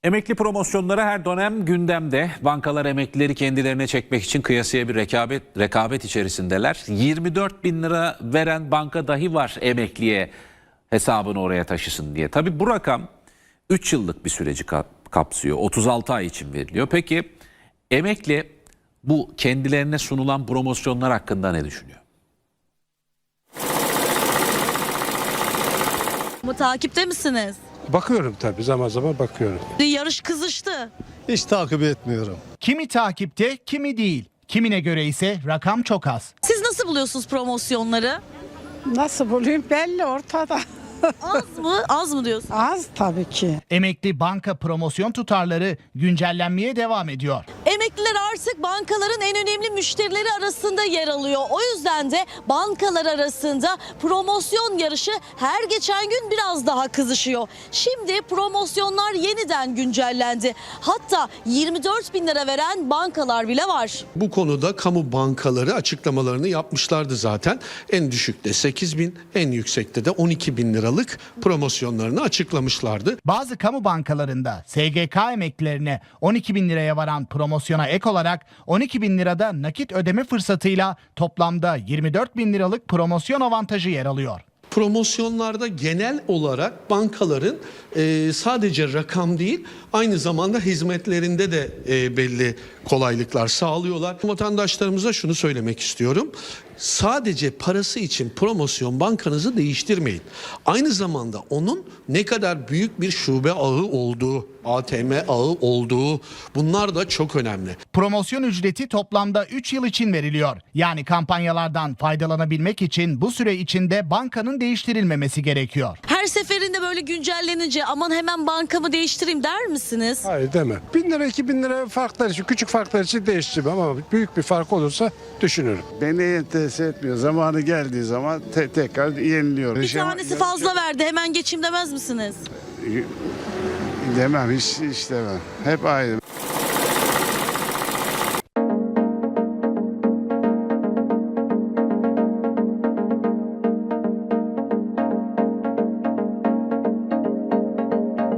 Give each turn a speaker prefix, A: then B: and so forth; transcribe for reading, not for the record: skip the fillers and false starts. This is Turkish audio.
A: Emekli promosyonları her dönem gündemde. Bankalar emeklileri kendilerine çekmek için kıyasıya bir rekabet içerisindeler. 24 bin lira veren banka dahi var emekliye hesabını oraya taşısın diye. Tabii bu rakam 3 yıllık bir süreci kapsıyor. 36 ay için veriliyor. Peki emekli bu kendilerine sunulan promosyonlar hakkında ne düşünüyor?
B: Ama takipte misiniz?
C: Bakıyorum tabii, zaman zaman bakıyorum.
B: Yarış kızıştı.
D: Hiç takip etmiyorum.
E: Kimi takipte, kimi değil. Kimine göre ise rakam çok az.
B: Siz nasıl buluyorsunuz promosyonları?
F: Nasıl bulayım belli ortada.
B: Az mı? Az mı diyorsun?
F: Az tabii ki.
E: Emekli banka promosyon tutarları güncellenmeye devam ediyor.
B: Emekliler artık bankaların en önemli müşterileri arasında yer alıyor. O yüzden de bankalar arasında promosyon yarışı her geçen gün biraz daha kızışıyor. Şimdi promosyonlar yeniden güncellendi. Hatta 24 bin lira veren bankalar bile var.
D: Bu konuda kamu bankaları açıklamalarını yapmışlardı zaten. En düşükte 8 bin, en yüksekte de 12 bin liralık promosyonlarını açıklamışlardı.
E: Bazı kamu bankalarında SGK emeklilerine 12 bin liraya varan promosyona ek olarak 12 bin lirada nakit ödeme fırsatıyla toplamda 24 bin liralık promosyon avantajı yer alıyor.
D: Promosyonlarda genel olarak bankaların sadece rakam değil, aynı zamanda hizmetlerinde de belli kolaylıklar sağlıyorlar. Vatandaşlarımıza şunu söylemek istiyorum. Sadece parası için promosyon bankanızı değiştirmeyin. Aynı zamanda onun ne kadar büyük bir şube ağı olduğu, ATM ağı olduğu, bunlar da çok önemli.
E: Promosyon ücreti toplamda 3 yıl için veriliyor. Yani kampanyalardan faydalanabilmek için bu süre içinde bankanın değiştirilmemesi gerekiyor.
B: Her seferinde böyle güncellenince aman hemen bankamı değiştireyim der misiniz?
C: Hayır demem. 1000 lira 2000 lira farklar için, küçük farklar için değiştirmem ama büyük bir fark olursa düşünürüm.
G: Beni enterese etmiyor. Zamanı geldiği zaman tekrar yeniliyor.
B: Bir tanesi fazla verdi hemen geçeyim demez misiniz?
G: Demem, hiç demem. Hep aynı.